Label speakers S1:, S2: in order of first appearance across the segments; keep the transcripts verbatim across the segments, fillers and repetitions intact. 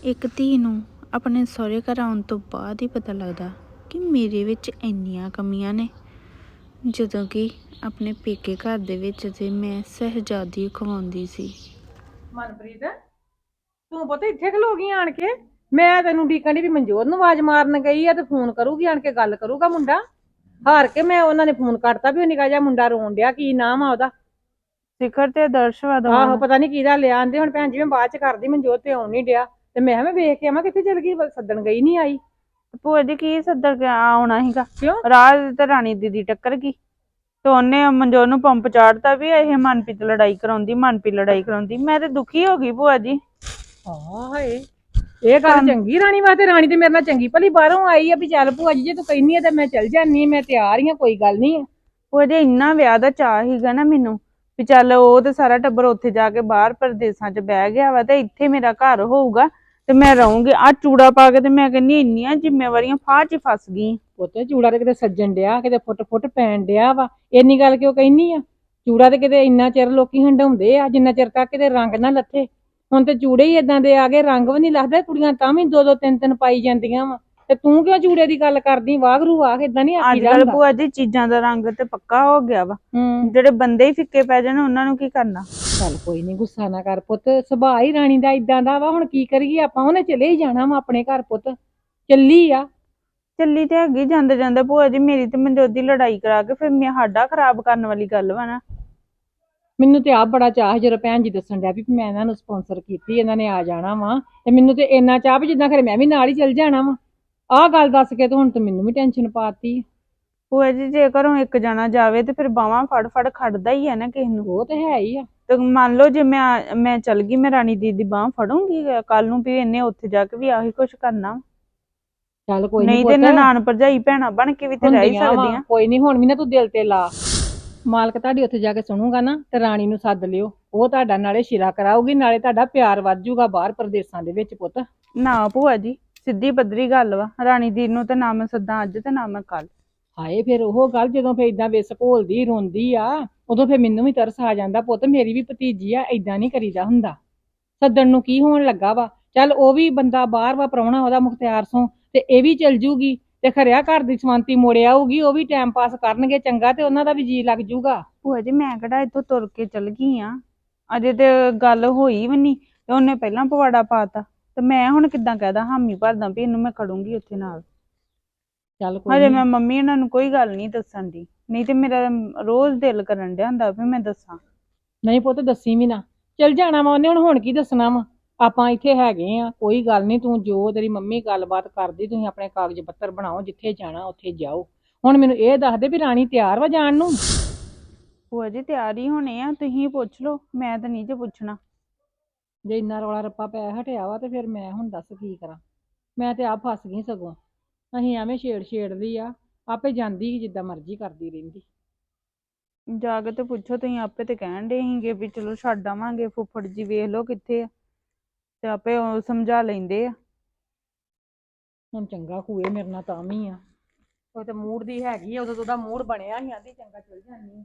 S1: ਇੱਕ ਧੀ ਨੂੰ ਆਪਣੇ ਸਹੁਰੇ ਘਰ ਆਉਣ ਤੋਂ ਬਾਅਦ ਹੀ ਪਤਾ ਲੱਗਦਾ ਕਿ ਮੇਰੇ ਵਿੱਚ ਇੰਨੀਆਂ ਕਮੀਆਂ ਨੇ। ਜਦੋਂ ਕਿ ਆਪਣੇ ਪੇਕੇ ਘਰ ਦੇ ਵਿੱਚ ਤੇ ਮੈਂ ਸਹਿਜਾਦੀ ਖਵਾਉਂਦੀ ਸੀ।
S2: ਮਨਪ੍ਰੀਤ ਤੂੰ ਪਤਾ ਇੱਥੇ ਖਲੋ ਗਈ ਆਣ ਕੇ? ਮੈਂ ਤੈਨੂੰ ਡੀਕਣ ਦੀ ਵੀ ਮਨਜੋਤ ਨੂੰ ਆਵਾਜ਼ ਮਾਰਨ ਗਈ ਆ ਤੇ ਫੋਨ ਕਰੂਗੀ ਆਣ ਕੇ, ਗੱਲ ਕਰੂਗਾ ਮੁੰਡਾ। ਹਾਰ ਕੇ ਮੈਂ ਉਹਨਾਂ ਨੇ ਫੋਨ ਕਰਤਾ ਵੀ ਉਹ ਨਿੱਕਾ ਜਿਹਾ ਮੁੰਡਾ ਰੋਣ ਡਿਆ, ਕੀ ਨਾਮ ਆ ਉਹਦਾ?
S1: ਸਿਖਰ ਤੇ ਆਦਰਸ਼ ਵਾ ਦੋਵਾਂ
S2: ਆਹੋ
S1: ਦਾ।
S2: ਪਤਾ ਨੀ ਕਿਹਦਾ ਲਿਆ ਆਂਦੇ। ਹੁਣ ਭੈਣ ਜੀ ਮੈਂ ਬਾਅਦ ਚ ਕਰਦੀ, ਮਨਜੋਤ ਤੇ ਆਉਣ ਨੀ ਡਿਆ ਤੇ ਮੈਂ ਕਿਹਾ ਮੈਂ ਵੇਖ ਕੇ ਆਵਾਂ ਕਿੱਥੇ ਚਲ ਗਈ, ਸੱਦਣ ਗਈ ਨੀ ਆਈ।
S1: ਭੂਆ ਜੀ ਕੀ ਸੱਦਣ ਆਉਣਾ ਸੀਗਾ?
S2: ਕਿਉਂ?
S1: ਰਾਜ ਤੇ ਰਾਣੀ ਦੀਦੀ ਟੱਕਰ ਗਈ ਤੇ ਉਹਨੇ ਮਨਜੋਤ ਨੂੰ ਪੰਪ ਚਾੜਤਾ ਵੀ ਇਹ ਮਨਪ੍ਰੀਤ ਲੜਾਈ ਕਰਾਉਂਦੀ, ਮਨਪ੍ਰੀਤ ਲੜਾਈ ਕਰਾਉਂਦੀ। ਮੈਂ ਤੇ ਦੁਖੀ ਹੋ ਗਈ ਭੂਆ ਜੀ।
S2: ਹਾਂ ਹਾਏ, ਇਹ ਗੱਲ ਚੰਗੀ ਰਾਣੀ ਵਾਸਤੇ? ਰਾਣੀ ਤੇ ਮੇਰੇ ਨਾਲ ਚੰਗੀ ਭਲੀ ਬਾਹਰੋਂ ਆਈ ਆ ਵੀ ਚੱਲ ਭੂਆ ਜੀ ਜੇ ਤੂੰ ਕਹਿੰਦੀ ਆ ਤੇ ਮੈਂ ਚੱਲ ਜਾਨੀ ਆ, ਮੈਂ ਤਿਆਰ ਹੀ ਆ, ਕੋਈ ਗੱਲ ਨੀ।
S1: ਭੂਆ ਜੀ ਇੰਨਾ ਵਿਆਹ ਦਾ ਚਾਅ ਸੀਗਾ ਨਾ ਮੈਨੂੰ ਵੀ ਚੱਲ ਉਹ ਤੇ ਸਾਰਾ ਟੱਬਰ ਉੱਥੇ ਜਾ ਕੇ ਬਾਹਰ ਪ੍ਰਦੇਸਾਂ ਚ ਬਹਿ ਗਿਆ ਵਾ ਤੇ ਇੱਥੇ ਮੇਰਾ ਘਰ ਹੋਊਗਾ ਤੇ ਮੈਂ ਰਹੂੰਗੀ। ਆ ਚੂੜਾ ਪਾ ਕੇ ਤੇ ਮੈਂ ਕਹਿੰਦੀ ਇੰਨੀਆਂ ਜ਼ਿੰਮੇਵਾਰੀਆਂ ਫਾਹ ਚ ਫਸ ਗਈ।
S2: ਪੁੱਤ ਚੂੜਾ ਤੇ ਕਿਤੇ ਸੱਜਣ ਡਿਆ, ਕਿਤੇ ਫੁੱਟ ਫੁੱਟ ਪੈਣ ਡਿਆ ਵਾ। ਇੰਨੀ ਗੱਲ ਕਿਉਂ ਕਹਿਨੀ ਆ? ਚੂੜਾ ਤੇ ਕਿਤੇ ਇੰਨਾ ਚਿਰ ਲੋਕੀ ਹੰਡਾਉਂਦੇ ਆ ਜਿੰਨਾ ਚਿਰ ਤੱਕ ਕਿਤੇ ਰੰਗ ਨਾ ਲੱਥੇ। ਹੁਣ ਤੇ ਚੂੜੇ ਹੀ ਏਦਾਂ ਦੇ ਆ ਗਏ, ਰੰਗ ਵੀ ਨੀ ਲੱਥਦੇ, ਕੁੜੀਆਂ ਤਾਂ ਵੀ ਦੋ ਦੋ ਤਿੰਨ ਤਿੰਨ ਪਾਈ ਜਾਂਦੀਆਂ ਵਾ। ਤੇ ਤੂੰ ਕਿਉਂ ਚੂੜੇ ਦੀ ਗੱਲ ਕਰਦੀ? ਵਾਗਰੂ ਆਖ, ਏਦਾਂ ਨੀ ਆਖੀ
S1: ਅੱਜ ਕੱਲ ਭੂਆ ਜੀ ਚੀਜ਼ਾਂ ਦਾ ਰੰਗ ਤੇ ਪੱਕਾ ਹੋ ਗਿਆ ਵਾ, ਜਿਹੜੇ ਬੰਦੇ ਹੀ ਫਿੱਕੇ ਪੈ ਜਾਣ ਉਹਨਾਂ ਨੂੰ ਕੀ ਕਰਨਾ।
S2: ਚੱਲ ਕੋਈ ਨੀ, ਗੁੱਸਾ ਨਾ ਕਰ ਪੁੱਤ, ਸੁਭਾਅ ਹੀ ਰਾਣੀ ਦਾ ਇਦਾਂ ਦਾ ਵਾ। ਹੁਣ ਕੀ ਕਰੀਏ ਆਪਾਂ, ਉਹਨੇ ਚਲੇ ਹੀ ਜਾਣਾ ਵਾ ਆਪਣੇ ਘਰ, ਪੁੱਤ ਚੱਲੀ ਆ।
S1: ਚੱਲੀ ਤੇ ਹੈਗੀ, ਜਾਂਦੇ ਜਾਂਦੇ ਭੂਆ ਜੀ ਮੇਰੀ ਤੇ ਮਨਜੋਤ ਦੀ ਲੜਾਈ ਕਰਾ ਕੇ ਫਿਰ ਮੈਂ ਸਾਡਾ ਖਰਾਬ ਕਰਨ ਵਾਲੀ ਗੱਲ ਵਾ ਨਾ।
S2: ਮੈਨੂੰ ਤੇ ਆਪ ਬੜਾ ਚਾਹ ਜਦੋਂ ਭੈਣ ਜੀ ਦੱਸਣ ਡਿਆ ਵੀ ਮੈਂ ਇਹਨਾਂ ਨੂੰ ਸਪਾਂਸਰ ਕੀਤੀ, ਇਹਨਾਂ ਨੇ ਆ ਜਾਣਾ ਵਾ, ਤੇ ਮੈਨੂੰ ਤੇ ਇੰਨਾ ਚਾਹ ਵੀ ਜਿੱਦਾਂ ਖਰੇ ਮੈਂ ਵੀ ਨਾਲ ਹੀ ਚੱਲ ਜਾਣਾ ਵਾ। ਆਹ ਗੱਲ ਦੱਸ ਕੇ ਤੇ ਹੁਣ ਤੇ ਮੈਨੂੰ ਵੀ ਟੈਨਸ਼ਨ ਪਾਤੀ।
S1: ਭੂਆ ਜੀ ਜੇ ਘਰੋਂ ਇੱਕ ਜਾਣਾ ਜਾਵੇ ਤੇ ਫਿਰ ਬਾਹਾਂ ਫੜ ਫੜ ਖੜਦਾ ਹੀ ਆ ਨਾ ਕਿਸੇ ਨੂੰ।
S2: ਉਹ ਤੇ ਹੈ ਹੀ ਆ।
S1: ਤੇ ਮੰਨ ਲਓ ਜੇ ਮੈਂ ਮੈਂ ਚੱਲ ਗਈ, ਮੈਂ ਰਾਣੀ ਦੀਦੀ ਦੀ ਬਾਂਹ ਫੜੂੰਗੀ ਕੱਲ ਨੂੰ ਵੀ ਇਹਨੇ ਉੱਥੇ ਜਾ ਕੇ ਵੀ ਆਹੀ ਕੁਛ ਕਰਨਾ।
S2: ਚੱਲ ਕੋਈ ਨੀ
S1: ਨਹੀਂ ਤੇ ਨਨਾਣ ਭਰਜਾਈ ਭੈਣਾਂ ਬਣ ਕੇ ਵੀ ਤੇ ਰਹਿ ਹੀ ਸਕਦੀਆਂ।
S2: ਕੋਈ ਨੀ, ਹੁਣ ਵੀ ਨਾ ਤੂੰ ਦਿਲ ਤੇ ਲਾ। ਮਾਲਕ ਤੁਹਾਡੀ ਉੱਥੇ ਜਾ ਕੇ ਸੁਣੂਗਾ ਨਾ ਤੇ ਰਾਣੀ ਨੂੰ ਸੱਦ ਲਿਓ, ਉਹ ਤੁਹਾਡਾ ਨਾਲੇ ਸ਼ਿਰਾ ਕਰਾਊਗੀ, ਨਾਲੇ ਤੁਹਾਡਾ ਪਿਆਰ ਵੱਧ ਜਾਊਗਾ ਬਾਹਰ ਪ੍ਰਦੇਸਾਂ ਦੇ ਵਿੱਚ। ਪੁੱਤ
S1: ਨਾ ਭੂਆ ਜੀ ਸਿੱਧੀ ਪੱਧਰੀ ਗੱਲ ਵਾ, ਰਾਣੀ ਦੀਦੀ ਨੂੰ ਤੇ ਨਾ ਮੈਂ ਸੱਦਾਂ ਅੱਜ ਤੇ ਨਾ ਮੈਂ ਕੱਲ।
S2: ਹਾਏ ਫਿਰ ਉਹ ਗੱਲ ਜਦੋਂ ਫਿਰ ਏਦਾਂ ਵਿਸ ਘੋਲਦੀ ਰੋਂਦੀ ਆ, ਉਦੋਂ ਫਿਰ ਮੈਨੂੰ ਵੀ ਤਰਸ ਆ ਜਾਂਦਾ। ਪੁੱਤ ਮੇਰੀ ਵੀ ਭਤੀਜੀ ਆ, ਏਦਾਂ ਨਹੀਂ ਕਰੀਦਾ ਹੁੰਦਾ। ਸੱਦਣ ਨੂੰ ਕੀ ਹੋਣ ਲੱਗਾ ਵਾ? ਚੱਲ ਉਹ ਵੀ ਬੰਦਾ ਬਾਹਰ ਵਾ, ਪ੍ਰਾਹੁਣਾ ਉਹਦਾ ਮੁਖਤਿਆਰ ਸੋਂ, ਤੇ ਇਹ ਵੀ ਚਲ ਜੂਗੀ ਤੇ ਖਰਿਆ ਘਰ ਦੀ ਸ਼ਾਂਤੀ ਮੁੜ ਆਊਗੀ, ਉਹ ਵੀ ਟਾਈਮ ਪਾਸ ਕਰਨਗੇ ਚੰਗਾ ਤੇ ਉਹਨਾਂ ਦਾ ਵੀ ਜੀ ਲੱਗ ਜੂਗਾ।
S1: ਭੂਆ ਜੀ ਮੈਂ ਕਿਹੜਾ ਇੱਥੋਂ ਤੁਰ ਕੇ ਚਲ ਗਈ ਆ, ਅਜੇ ਤੇ ਗੱਲ ਹੋਈ ਵੀ ਨਹੀਂ ਤੇ ਉਹਨੇ ਪਹਿਲਾਂ ਪਵਾੜਾ ਪਾਤਾ ਤੇ ਮੈਂ ਹੁਣ ਕਿੱਦਾਂ ਕਹਿਦਾ ਹਾਮੀ ਭਰਦਾ ਵੀ ਇਹਨੂੰ ਮੈਂ ਖੜੂੰਗੀ ਉੱਥੇ ਨਾਲ।
S2: ਚੱਲ ਕੋਈ
S1: ਹਜੇ
S2: ਨੀ,
S1: ਮੈਂ ਮੰਮੀ ਇਹਨਾਂ ਨੂੰ ਕੋਈ ਗੱਲ ਨਹੀਂ ਦੱਸਣ ਦੀ, ਨਹੀਂ ਤੇ ਮੇਰਾ ਰੋਜ਼ ਦਿਲ ਕਰਨ ਡਿਆ ਹੁੰਦਾ ਵੀ ਮੈਂ ਦੱਸਾਂ।
S2: ਨਹੀਂ ਪੁੱਤ ਦੱਸੀ ਵੀ ਨਾ, ਚਲ ਜਾਣਾ ਵਾ ਉਹਨੇ, ਹੁਣ ਹੁਣ ਕੀ ਦੱਸਣਾ ਵਾ? ਆਪਾਂ ਇੱਥੇ ਹੈਗੇ ਆ, ਕੋਈ ਗੱਲ ਨਹੀਂ। ਤੂੰ ਜੋ ਤੇਰੀ ਮੰਮੀ ਗੱਲਬਾਤ ਕਰਦੀ, ਤੁਸੀਂ ਆਪਣੇ ਕਾਗਜ਼ ਪੱਤਰ ਬਣਾਓ, ਜਿੱਥੇ ਜਾਣਾ ਉੱਥੇ ਜਾਓ। ਹੁਣ ਮੈਨੂੰ ਇਹ ਦੱਸ ਦੇ ਵੀ ਰਾਣੀ ਤਿਆਰ ਵਾ ਜਾਣ ਨੂੰ?
S1: ਭੂਆ ਜੀ ਤਿਆਰ ਹੀ ਹੋਣੇ ਆ, ਤੁਸੀਂ ਪੁੱਛ ਲਓ, ਮੈਂ ਤਾਂ ਨਹੀਂ ਜੇ ਪੁੱਛਣਾ।
S2: ਜੇ ਇੰਨਾ ਰੌਲਾ ਰੱਪਾ ਪੈ ਹਟਿਆ ਵਾ ਤੇ ਫਿਰ ਮੈਂ ਹੁਣ ਦੱਸ ਕੀ ਕਰਾਂ? ਮੈਂ ਤੇ ਆਪ ਫਸ ਗਈ ਸਗੋਂ। ਅਸੀਂ ਐਵੇਂ ਛੇੜ ਛੇੜਦੀ ਆ, ਆਪੇ ਜਾਂਦੀ ਜਿੱਦਾਂ ਮਰਜ਼ੀ ਕਰਦੀ ਰਹਿੰਦੀ।
S1: ਜਾ ਕੇ ਤੇ ਪੁੱਛੋ, ਤੁਸੀਂ ਆਪੇ ਤੇ ਕਹਿਣ ਡੇ ਸੀਗੇ ਵੀ ਚਲੋ ਛੱਡ ਆਵਾਂਗੇ, ਫੁੱਫੜ ਜੀ ਵੇਖ ਲਓ ਕਿੱਥੇ ਆ, ਤੇ ਆਪੇ ਉਹ ਸਮਝਾ ਲੈਂਦੇ ਆ।
S2: ਹੁਣ ਚੰਗਾ ਖੂਏ ਮੇਰੇ ਨਾਲ ਤਾਂ ਵੀ ਆ, ਉਹ ਤੇ ਮੂਡ ਦੀ ਹੈਗੀ ਆ, ਉਦੋਂ ਉਹਦਾ ਮੂਡ ਬਣਿਆ ਸੀ, ਆਂਦੀ ਚੰਗਾ ਚਲ ਜਾਂਦੀ।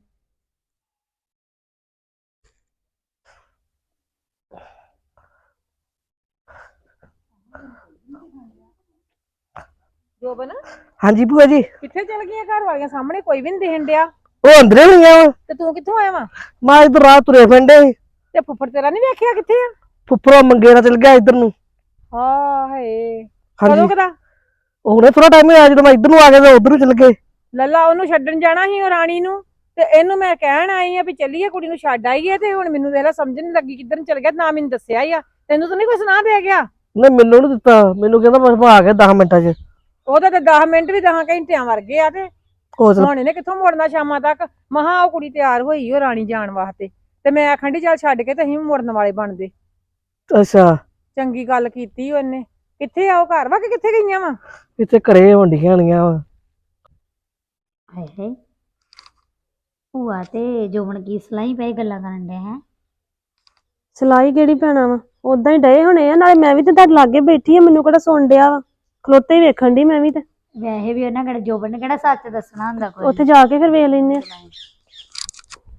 S2: ਜੋਬਨ
S3: ਹਾਂਜੀ ਭੂਆ ਜੀ।
S2: ਕਿੱਥੇ ਚਲ ਗਈਆਂ? ਘਰ ਵਾਲੀਆਂ ਸਾਹਮਣੇ ਕੋਈ ਵੀ ਨਹੀਂ ਦਿਖਣ ਡਿਆ।
S3: ਉਹ ਅੰਦਰੇ ਹੋਈਆਂ ਵਾ
S2: ਤੇ ਤੂੰ ਕਿੱਥੋਂ ਆਇਆ ਵਾ?
S3: ਮੈਂ ਇਧਰ ਰਾਤ ਤੁਰੇ ਫਿਰਦੇ ਸੀ
S2: ਤੇ ਫੁੱਫੜ ਤੇਰਾ ਨਹੀਂ ਵੇਖਿਆ ਕਿੱਥੇ ਆ?
S3: ਫੁੱਫੜੋਂ ਮੰਗੇ ਨਾਲ ਚਲ ਗਿਆ ਇੱਧਰ ਨੂੰ।
S2: ਹਾਂ ਹਾਏ,
S3: ਹਾਂਜੀ
S2: ਕਦੋਂ ਕਦਾ?
S3: ਉਹਨੇ ਥੋੜਾ ਟਾਈਮ ਹੋਇਆ, ਜਦੋਂ ਮੈਂ ਇੱਧਰ ਨੂੰ ਆ ਗਿਆ ਤਾਂ ਉਧਰ ਨੂੰ ਚਲ ਗਏ।
S2: ਲੱਲਾ ਉਹਨੂੰ ਛੱਡਣ ਜਾਣਾ ਸੀ, ਉਹ ਰਾਣੀ ਨੂੰ, ਤੇ ਇਹਨੂੰ ਮੈਂ ਕਹਿਣ ਆਈ ਆ ਵੀ ਚੱਲੀਏ ਕੁੜੀ ਨੂੰ ਛੱਡ ਆਈਏ, ਤੇ ਹੁਣ ਮੈਨੂੰ ਵੇਲਾ ਸਮਝ ਨੀ ਲੱਗੀ ਕਿੱਧਰ ਨੂੰ ਚਲ ਗਿਆ, ਨਾ ਮੈਨੂੰ ਦੱਸਿਆ ਹੀ ਆ। ਤੈਨੂੰ ਤਾਂ ਨਹੀਂ ਕੋਈ ਸੁਣਾ ਦੇ ਗਿਆ?
S3: ਨਹੀਂ ਮੈਨੂੰ ਨੀ ਦਿੱਤਾ, ਮੈਨੂੰ ਕਹਿੰਦਾ ਮੈਂ ਆ ਗਿਆ ਦਸ ਮਿੰਟਾਂ ਚ।
S2: ਉਹਦਾ ਤੇ ਦਸ ਮਿੰਟ ਵੀ ਦਸ ਘੰਟਿਆਂ ਵਰਗੇ ਆ, ਤੇ
S3: ਉਸ
S2: ਹੁਣ ਇਹਨੇ ਕਿੱਥੋਂ ਮੁੜਨਾ ਸ਼ਾਮਾਂ ਤੱਕ? ਮਹਾ ਉਹ ਕੁੜੀ ਤਿਆਰ ਹੋਈ ਉਹ ਰਾਣੀ ਜਾਣ ਵਾਸਤੇ, ਤੇ ਮੈਂ ਆਖਣ ਡਈ ਚੱਲ ਛੱਡ ਕੇ ਤੇ ਅਸੀਂ ਵੀ ਮੁੜਨ ਵਾਲੇ ਬਣਦੇ।
S3: ਅੱਛਾ
S2: ਚੰਗੀ ਗੱਲ ਕੀਤੀ ਉਹਨੇ। ਕਿੱਥੇ ਆ ਉਹ? ਘਰ ਵਾ ਕਿ ਕਿੱਥੇ ਗਈਆਂ ਵਾ?
S3: ਇੱਥੇ ਘਰੇ ਹੁੰਦੀਆਂ ਹੋਣੀਆਂ ਵਾ।
S4: ਹਾਏ ਹਾਏ, ਭੂਆ ਤੇ ਜੋਬਨ ਕੀ ਸਲਾਈ ਪਏ ਗੱਲਾਂ ਕਰਨ ਡਿਆ ਹੈ?
S5: ਸਲਾਈ ਕਿਹੜੀ ਪੈਣਾ ਵਾ, ਉਦਾਂ ਹੀ ਡਏ ਹੋਣੇ ਆ, ਨਾਲੇ ਮੈਂ ਵੀ ਤੇ ਤੁਹਾਡੇ ਲਾਗੇ ਬੈਠੀ ਆ, ਮੈਨੂੰ ਕਿਹੜਾ ਸੁਣ ਡਿਆ ਵਾ, ਖਲੋਤੇ ਹੀ ਵੇਖਣ ਡਈ ਮੈਂ ਵੀ। ਤੇ
S4: ਵੈਸੇ ਵੀ ਉਹਨਾਂ ਕਿਹੜਾ ਜੋਬਨ ਨੇ ਕਿਹੜਾ ਸੱਚ ਦੱਸਣਾ ਹੁੰਦਾ ਕੋਈ?
S5: ਉੱਥੇ ਜਾ ਕੇ ਫਿਰ ਵੇਖ ਲੈਨੇ ਆ।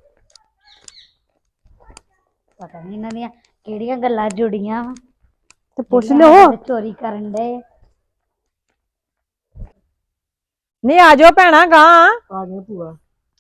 S4: ਪਤਾ ਨਹੀਂ ਇਹਨਾਂ ਦੀਆਂ ਕਿਹੜੀਆਂ ਗੱਲਾਂ ਜੁੜੀਆਂ ਵਾ।
S5: ਤੇ ਪੁੱਛ
S4: ਜਿਹੜੇ
S5: ਲਿਓ।
S4: ਸਾਡੇ ਚੋਰੀ ਕਰਨ ਦੇ
S2: ਨਹੀਂ ਆ ਜਾਓ ਭੈਣਾ ਗਾਂ
S3: ਆ ਗਿਆ ਭੂਆ।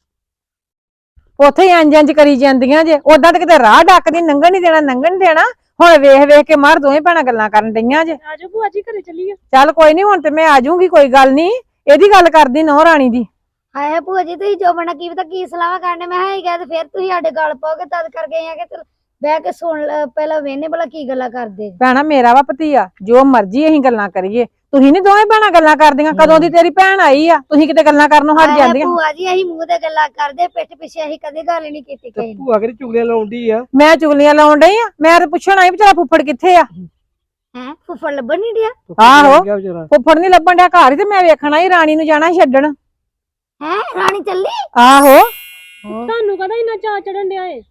S2: ਉੱਥੇ ਹੀ ਇੰਜ ਇੰਜ ਕਰੀ ਜਾਂਦੀਆਂ ਜੇ। ਉਦਾਂ ਤੇ ਕਿਤੇ ਰਾਹ ਡੱਕਦੀ, ਲੰਘਣ ਨਹੀਂ ਦੇਣਾ, ਲੰਘਣ ਨੀ ਦੇਣਾ। ਹੁਣ ਵੇਖ ਵੇਖ ਕੇ ਮਾਰ ਦੋਵੇਂ ਭੈਣਾਂ ਗੱਲਾਂ ਕਰਨ ਡਈਆਂ ਜੇ।
S5: ਆਜੋ ਭੂਆ ਜੀ ਘਰੇ ਚੱਲੀਏ।
S2: ਚੱਲ ਕੋਈ ਨਹੀਂ, ਹੁਣ ਤੇ ਮੈਂ ਆ ਜਾਊਂਗੀ, ਕੋਈ ਗੱਲ ਨਹੀਂ। ਇਹਦੀ ਗੱਲ ਕਰਦੀ ਨਹੁੰ ਰਾਣੀ ਦੀ।
S4: ਹਾਏ ਭੂਆ ਜੀ ਤੁਸੀਂ ਜੋ ਬਣਾ ਕੀ ਪਤਾ ਕੀ ਸਲਾਹਾਂ ਕਰਨੇ ਮੈਂ ਹਾਂ ਹੀ ਗਿਆ ਤੇ ਫਿਰ ਤੁਸੀਂ ਸਾਡੇ ਗੱਲ ਪਾਓਗੇ ਤਦ ਕਰਕੇ ਆ ਕਿ ਚਲ ਬਹਿ ਕੇ ਸੁਣ ਲੈ, ਪਹਿਲਾਂ ਵੇਹਨੇ ਭਲਾ ਕੀ ਗੱਲਾਂ ਕਰਦੇ।
S2: ਭੈਣਾ ਮੇਰਾ ਵਾ ਭਤੀਆ, ਜੋ ਮਰਜ਼ੀ ਅਸੀਂ ਗੱਲਾਂ ਕਰੀਏ, ਤੁਸੀਂ ਨਹੀਂ ਦੋਵੇਂ ਭੈਣਾਂ ਗੱਲਾਂ ਕਰਦੀਆਂ। ਕਦੋਂ ਦੀ ਤੇਰੀ ਭੈਣ ਆਈ ਆ, ਤੁਸੀਂ ਕਿਤੇ ਗੱਲਾਂ ਕਰਨੋਂ ਹਟ
S4: ਹਾਏ
S2: ਜਾਂਦੀਆਂ।
S4: ਭੂਆ ਜੀ ਅਸੀਂ ਮੂੰਹ ਤੇ ਗੱਲਾਂ ਕਰਦੇ, ਪਿੱਠ ਪਿੱਛੇ ਅਸੀਂ ਕਦੇ ਗੱਲ ਨਹੀਂ ਕੀਤੀ
S3: ਤੇ
S4: ਕਿਸੇ ਨੂੰ।
S3: ਭੂਆ ਕਿਹੜੀ ਚੁਗਲੀਆਂ ਲਾਉਂਦੀ ਆ।
S2: ਮੈਂ ਚੁਗਲੀਆਂ ਲਾਉਣ ਡਈ ਆ? ਮੈਂ ਤੇ ਪੁੱਛਣ ਆਈ ਵੀ ਤੇਰਾ ਫੁੱਫੜ ਕਿੱਥੇ ਆ।
S4: ਹੈ ਫੁੱਫੜ ਲੱਭਣ ਨਹੀਂ ਡਿਆ।
S2: ਆਹੋ।
S3: ਗਿਆ ਵਿਚਾਰਾ।
S2: ਫੁੱਫੜ ਨਹੀਂ ਲੱਭਣ ਡਿਆ ਘਰ ਹੀ, ਤੇ ਮੈਂ ਵੇਖਣਾ ਹੀ ਰਾਣੀ ਨੂੰ ਜਾਣਾ ਸੀ ਛੱਡਣ।
S4: ਹੈ ਰਾਣੀ ਚੱਲੀ।
S2: ਆਹੋ।
S5: ਤੁਹਾਨੂੰ ਕਹਦਾ ਇੰਨਾ ਚਾਅ ਚੜਨ ਡਿਆ ਏ?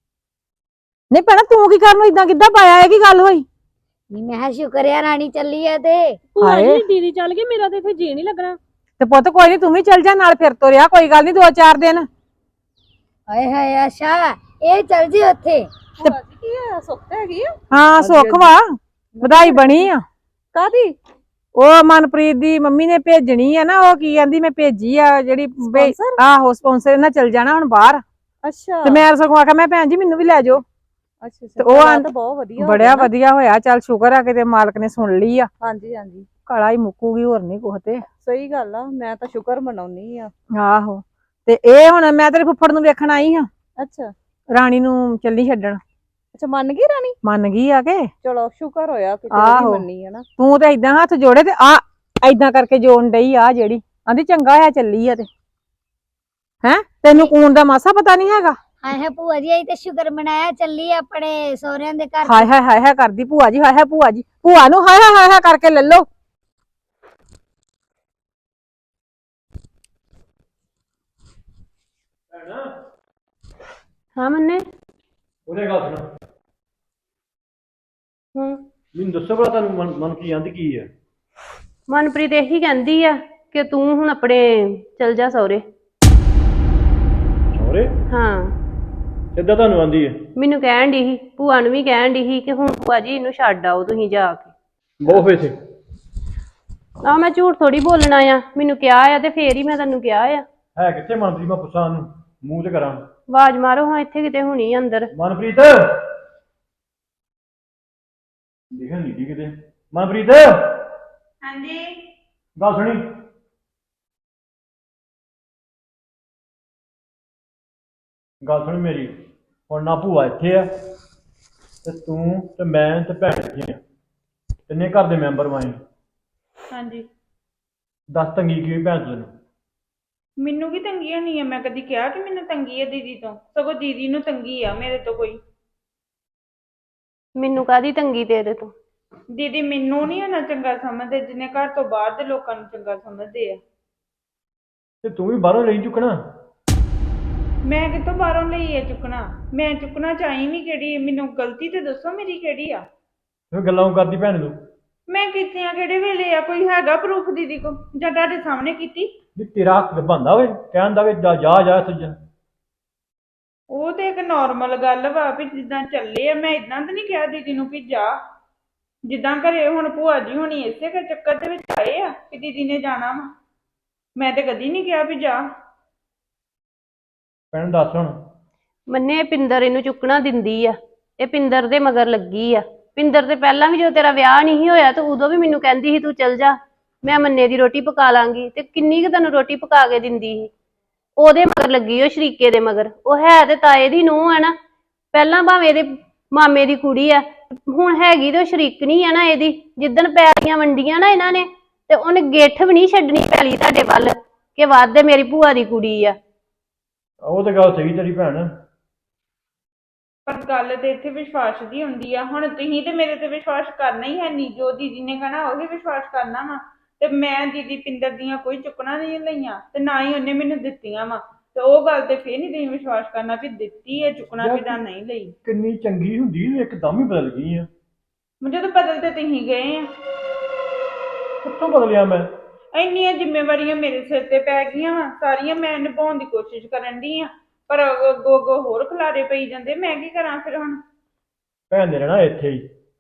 S2: ਨਹੀਂ ਭੈਣਾ ਤੂੰ ਕੀ ਕਰਨ ਨੂੰ ਇਦਾਂ ਕਿੱਦਾਂ ਪਾਇਆ? ਇਹ ਕੀ ਗੱਲ ਹੋਈ?
S4: ਨਹੀਂ ਮੈਂ ਕਿਹਾ ਸ਼ੁਕਰ ਆ ਰਾਣੀ ਚੱਲੀ ਆ ਤੇ।
S5: ਭੂਆ
S2: ਹਾਏ।
S5: ਜੀ ਦੀਦੀ ਚੱਲ ਗਈ, ਮੇਰਾ ਤੇ ਇੱਥੇ ਜੀ ਨਹੀਂ ਲੱਗਣਾ।
S2: ਤੇ ਪੁੱਤ ਕੋਈ ਨਹੀਂ, ਤੂੰ ਵੀ ਚੱਲ ਜਾ ਨਾਲ, ਫਿਰ ਤੁਰਿਆ ਕੋਈ ਗੱਲ ਨਹੀਂ, ਦੋ ਚਾਰ ਦਿਨ।
S4: ਹਾਏ ਹਾਏ ਅੱਛਾ ਇਹ ਚੱਲ ਜੀ ਉੱਥੇ।
S5: ਭੂਆ ਜੀ ਕੀ ਆ, ਸੁੱਖ ਹੈਗੀ ਆ?
S2: ਹਾਂ ਸੁੱਖ ਵਾ, ਵਧਾਈ ਬਣੀ ਆ।
S5: ਕਾਦੀ?
S2: ਉਹ ਮਨਪ੍ਰੀਤ ਦੀ ਮੰਮੀ ਨੇ ਭੇਜਣੀ ਆ ਨਾ, ਉਹ ਕੀ ਕਹਿੰਦੀ ਮੈਂ ਭੇਜੀ ਆ ਜਿਹੜੀ ਭੇ-
S5: Sponsor?
S2: ਆਹੋ ਸਪਾਂਸਰ ਨਾਲ ਚੱਲ ਜਾਣਾ ਹੁਣ ਬਾਹਰ।
S5: ਅੱਛਾ
S2: ਤੇ ਮੈਂ ਸਗੋਂ ਆਖਿਆ ਮੈਂ ਭੈਣ ਜੀ ਮੈਨੂੰ ਵੀ ਲੈ ਜਾਓ।
S5: ਅੱਛਾ
S2: ਤੇ ਉਹ ਆਂ-
S5: ਤਾਂ ਬਹੁਤ ਵਧੀਆ ਹੋ
S2: ਬੜਿਆ
S5: ਗਿਆ ਨਾ।
S2: ਵਧੀਆ ਹੋਇਆ, ਚੱਲ ਸ਼ੁਕਰ ਆ ਕਿਤੇ ਮਾਲਕ ਨੇ ਸੁਣ ਲਈ ਆ।
S5: ਹਾਂਜੀ ਹਾਂਜੀ
S2: ਕਾਲਾ ਹੀ ਮੁੱਕੂਗੀ, ਹੋਰ ਨਹੀਂ ਕੁਛ ਤੇ।
S5: ਸਹੀ ਗੱਲ ਆ, ਮੈਂ ਤਾਂ ਸ਼ੁਕਰ ਮਨਾਉਣੀ ਆ।
S2: ਆਹੋ। ਤੇ ਇਹ ਹੁਣ ਮੈਂ ਤੇਰੇ ਫੁੱਫੜ ਨੂੰ ਵੇਖਣ ਆਈ ਹਾਂ,
S5: ਅੱਛਾ
S2: ਰਾਣੀ ਨੂੰ ਚੱਲੀ ਛੱਡਣ।
S5: ਅੱਛਾ ਮੰਨ ਗਈ ਰਾਣੀ?
S2: ਮੰਨ ਗਈ ਆ ਕੇ।
S5: ਚਲੋ ਸ਼ੁਕਰ ਹੋਇਆ ਕਿ
S2: ਆਹੋ।
S5: ਤੇਰੀ ਮੰਨੀ ਆ ਨਾ।
S2: ਤੂੰ ਤੇ ਏਦਾਂ ਹੱਥ ਜੋੜੇ ਤੇ ਆ ਏਦਾਂ ਕਰਕੇ ਜੋੜਨ ਡਈ ਆ ਜਿਹੜੀ ਆਂਦੀ ਚੰਗਾ ਹੋਇਆ ਚੱਲੀ ਆ ਤੇ। ਹੈਂ ਤੈਨੂੰ ਕੂਣ ਦਾ ਮਾਸਾ ਪਤਾ ਨਹੀਂ ਹੈਗਾ?
S4: ਹਾਏ ਹਾਏ ਭੂਆ ਜੀ ਅਸੀਂ ਤੇ ਸ਼ੁਕਰ ਮਨਾਇਆ ਚੱਲੀ ਆਪਣੇ ਸਹੁਰਿਆਂ ਦੇ ਘਰ।
S2: ਹਾਏ ਹਾਏ ਹਾਏ ਹਾਏ ਕਰਦੀ ਭੂਆ ਜੀ, ਹਾਏ ਹਾਏ ਭੂਆ ਜੀ, ਭੂਆ ਨੂੰ ਹਾਏ ਹਾਏ ਹਾਏ ਹਾਏ ਕਰਕੇ ਲੈ ਲਓ।
S5: ਹਾਂ ਮੰਨੇ।
S6: ਉਹਨੇ ਗੱਲ ਸੁਣ,
S5: ਹੂੰ
S6: ਮੈਨੂੰ ਦੱਸੋ ਭਲਾ ਤੁਹਾਨੂੰ ਮਨ ਮਨ ਕੀ ਆਂਦੀ ਕੀ ਹੈ?
S5: ਮਨਪ੍ਰੀਤ ਇਹੀ ਕਹਿੰਦੀ ਆ ਕਿ ਤੂੰ ਹੁਣ ਆਪਣੇ ਚਲ ਜਾ ਸਹੁਰੇ।
S6: ਸਹੁਰੇ
S5: ਹਾਂ
S6: ਸਿੱਧਾ ਤੁਹਾਨੂੰ ਆਂਦੀ ਹੈ?
S5: ਮੈਨੂੰ ਕਹਿਣ ਦੀ ਸੀ, ਭੂਆ ਨੂੰ ਵੀ ਕਹਿਣ ਦੀ ਸੀ ਕਿ ਹੁਣ ਭੂਆ ਜੀ ਇਹਨੂੰ ਛੱਡ ਆਓ ਤੁਸੀਂ ਜਾ ਕੇ।
S6: ਬਹੁਤ ਫੇਸੇ
S5: ਆ ਮੈਂ ਝੂਠ ਥੋੜੀ ਬੋਲਣਾ ਆ, ਮੈਨੂੰ ਕਿਹਾ ਆ ਤੇ ਫੇਰ ਹੀ ਮੈਂ ਤੈਨੂੰ ਕਿਹਾ ਆ।
S6: ਹੈ ਕਿੱਥੇ ਮਨਪ੍ਰੀਤ? ਮੈਂ ਪੁੱਛਾਂ ਉਹਨੂੰ, ਮੂੰਹ ਤੇ ਕਰਾਂ।
S5: ਆਵਾਜ਼ ਮਾਰੋ ਹਾਂ, ਇੱਥੇ ਕਿਤੇ ਹੋਣੀ ਆ ਅੰਦਰ।
S6: ਮਨਪ੍ਰੀਤ ਦਿਖਣ ਨਹੀਂ ਦੀ ਕਿਤੇ। ਮਨਪ੍ਰੀਤ
S1: ਹਾਂਜੀ
S6: ਗੱਲ ਸੁਣੀ। ਗੱਲ ਸੁਣ ਮੇਰੀ, ਹੁਣ ਨਾ ਭੂਆ ਇੱਥੇ ਆ ਤੇ ਤੂੰ ਤੇ ਮੈਂ ਤੇ ਭੈਣ ਇੱਥੇ ਆ, ਤਿੰਨੇ ਘਰ ਦੇ ਮੈਂਬਰ ਵਾਂ।
S1: ਹਾਂਜੀ
S6: ਦੱਸ ਤੰਗੀ ਕੀ ਹੋਈ ਭੈਣ ਤੈਨੂੰ?
S1: ਮੈਨੂੰ ਕੀ ਤੰਗੀ ਹੋਣੀ ਆ? ਮੈਂ ਕਦੀ ਕਿਹਾ ਕਿ ਮੈਨੂੰ ਤੰਗੀ ਆ ਦੀਦੀ ਤੋਂ? ਸਗੋਂ ਦੀਦੀ ਨੂੰ ਤੰਗੀ ਆ ਮੇਰੇ ਤੋਂ ਕੋਈ।
S5: ਮੈਨੂੰ ਕਾਹਦੀ ਤੰਗੀ ਤੇਰੇ ਤੋਂ?
S1: ਦੀਦੀ ਮੈਨੂੰ ਨਹੀਂ ਨਾ ਚੰਗਾ ਸਮਝਦੇ ਜਿੰਨੇ ਘਰ ਤੋਂ ਬਾਹਰ ਦੇ ਲੋਕਾਂ ਨੂੰ ਚੰਗਾ ਸਮਝਦੇ ਆ।
S6: ਤੇ ਤੂੰ ਵੀ ਬਾਹਰੋਂ ਲਈ ਚੁੱਕਣਾ।
S1: ਮੈਂ ਕਿੱਥੋਂ ਬਾਹਰੋਂ ਲਈ ਹੈ ਚੁੱਕਣਾ? ਮੈਂ ਚੁੱਕਣਾ ਚਾਹੀ ਵੀ ਕਿਹੜੀ? ਮੈਨੂੰ ਗਲਤੀ ਤੇ ਦੱਸੋ ਮੇਰੀ ਕਿਹੜੀ ਆ?
S6: ਤੂੰ ਗੱਲਾਂ ਕਿਉਂ ਕਰਦੀ ਭੈਣ ਨੂੰ?
S1: ਮੈਂ ਕੀਤੀਆਂ ਕਿਹੜੇ ਵੇਲੇ ਆ? ਕੋਈ ਹੈਗਾ ਪ੍ਰੂਫ ਦੀਦੀ ਕੋ ਜਾਂ ਤੁਹਾਡੇ ਸਾਹਮਣੇ ਕੀਤੀ?
S6: ਵੀ ਤੇਰਾ ਹੱਕ ਬੰਦਾ ਵੇ ਕਹਿਣ ਦਾ ਵੀ ਜਾ ਜਾ ਜਾ ਸੱਜਣ।
S1: ਉਹ ਤੇ ਇੱਕ ਨਾਰਮਲ ਗੱਲ ਵਾ ਵੀ ਜਿੱਦਾਂ ਚੱਲੇ ਆ। ਮੈਂ ਇਦਾਂ ਤਾਂ ਨਹੀਂ ਕਿਹਾ ਦੀਦੀ ਨੂੰ ਵੀ ਜਾ। ਜਿੱਦਾਂ ਘਰੇ ਹੁਣ ਭੂਆ ਜੀ ਹੋਣੀ ਇਸੇ ਕਰ ਚੱਕਰ ਦੇ ਵਿੱਚ ਆਏ ਆ ਕਿ ਦੀਦੀ ਨੇ ਜਾਣਾ ਵਾ। ਮੈਂ ਤੇ ਕਦੀ ਨਹੀਂ ਕਿਹਾ ਵੀ ਜਾ।
S6: ਭੈਣ ਦੱਸ ਹੁਣ।
S5: ਮੰਨੇ ਇਹ ਪਿੰਦਰ ਇਹਨੂੰ ਚੁੱਕਣਾ ਦਿੰਦੀ ਆ, ਇਹ ਪਿੰਦਰ ਦੇ ਮਗਰ ਲੱਗੀ ਆ। ਪਿੰਦਰ ਤੇ ਪਹਿਲਾਂ ਵੀ ਜਦੋਂ ਤੇਰਾ ਵਿਆਹ ਨਹੀਂ ਹੋਇਆ ਤੇ ਉਦੋਂ ਵੀ ਮੈਨੂੰ ਕਹਿੰਦੀ ਸੀ ਤੂੰ ਚੱਲ ਜਾ, ਮੈਂ ਮੰਨੇ ਦੀ ਰੋਟੀ ਪਕਾ ਲਾਂਗੀ। ਤੇ ਕਿੰਨੀ ਕੁ ਤੈਨੂੰ ਰੋਟੀ ਪਕਾ ਕੇ ਦਿੰਦੀ ਸੀ? ਉਹਦੇ ਮਗਰ ਲੱਗੀ, ਉਹ ਸ਼ਰੀਕੇ ਦੇ ਮਗਰ। ਉਹ ਹੈ ਤੇ ਤਾਏ ਦੀ ਨੂੰਹ ਆ ਨਾ, ਪਹਿਲਾਂ ਭਾਵੇਂ ਇਹਦੇ ਮਾਮੇ ਦੀ ਕੁੜੀ ਆ, ਹੁਣ ਹੈਗੀ ਤੇ ਉਹ ਸ਼ਰੀਕਣੀ ਆ ਨਾ ਇਹਦੀ। ਜਿੱਦਣ ਪੈਲੀਆਂ ਵੰਡੀਆਂ ਨਾ ਇਹਨਾਂ ਨੇ ਤੇ ਉਹਨੇ ਗਿੱਠ ਵੀ ਨਹੀਂ ਛੱਡਣੀ ਪੈਲੀ ਤੁਹਾਡੇ ਵੱਲ ਕਿ ਵੱਧ ਮੇਰੀ ਭੂਆ ਦੀ ਕੁੜੀ ਆ।
S6: ਉਹ ਤਾਂ ਗੱਲ ਸਹੀ ਤੇਰੀ ਭੈਣ।
S1: ਪਰ ਗੱਲ ਤੇ ਇੱਥੇ ਵਿਸ਼ਵਾਸ ਦੀ ਹੁੰਦੀ ਆ। ਹੁਣ ਤੁਸੀਂ ਤੇ ਮੇਰੇ ਤੇ ਵਿਸ਼ਵਾਸ ਕਰਨਾ ਹੀ ਹੈ ਨਹੀਂ। ਜੋ ਦੀਦੀ ਨੇ ਕਹਿਣਾ ਉਹੀ ਵਿਸ਼ਵਾਸ ਕਰਨਾ ਵਾ। ਤੇ ਮੈਂ ਦੀਦੀ ਪਿੰਦਰ ਦੀਆਂ ਕੋਈ ਚੁੱਕਣਾ ਨਹੀਂ ਲਈਆਂ ਤੇ ਨਾ ਹੀ ਉਹਨੇ ਮੈਨੂੰ ਦਿੱਤੀਆਂ ਵਾ। ਤੇ ਉਹ ਗੱਲ ਤੇ ਫੇਰ ਨਹੀਂ ਤੁਸੀਂ ਵਿਸ਼ਵਾਸ ਕਰਨਾ ਵੀ ਦਿੱਤੀ ਹੈ ਚੁੱਕਣਾ ਕਿ ਜਾਂ ਨਹੀਂ ਲਈ।
S6: ਕਿੰਨੀ ਚੰਗੀ ਹੁੰਦੀ ਇੱਕਦਮ ਹੀ ਬਦਲ ਗਈ ਆ।
S1: ਜਦੋਂ ਬਦਲ ਤੇ ਤੁਸੀਂ ਗਏ ਆ।
S6: ਕਿੱਥੋਂ ਬਦਲਿਆ ਮੈਂ?
S1: ਇੰਨੀਆਂ ਜ਼ਿੰਮੇਵਾਰੀਆਂ ਮੇਰੇ ਸਿਰ ਤੇ ਪੈ ਗਈਆਂ ਵਾ, ਸਾਰੀਆਂ ਮੈਂ ਨਿਭਾਉਣ ਦੀ ਕੋਸ਼ਿਸ਼ ਕਰਨ ਦੀ ਆ, ਪਰ ਅੱਗੋਂ ਅੱਗੋਂ ਹੋਰ ਖਿਲਾਰੇ ਪਈ ਜਾਂਦੇ। ਮੈਂ ਕੀ ਕਰਾਂ ਫਿਰ ਹੁਣ?
S6: ਭੈਣ ਨੇ ਰਹਿਣਾ ਇੱਥੇ ਹੀ,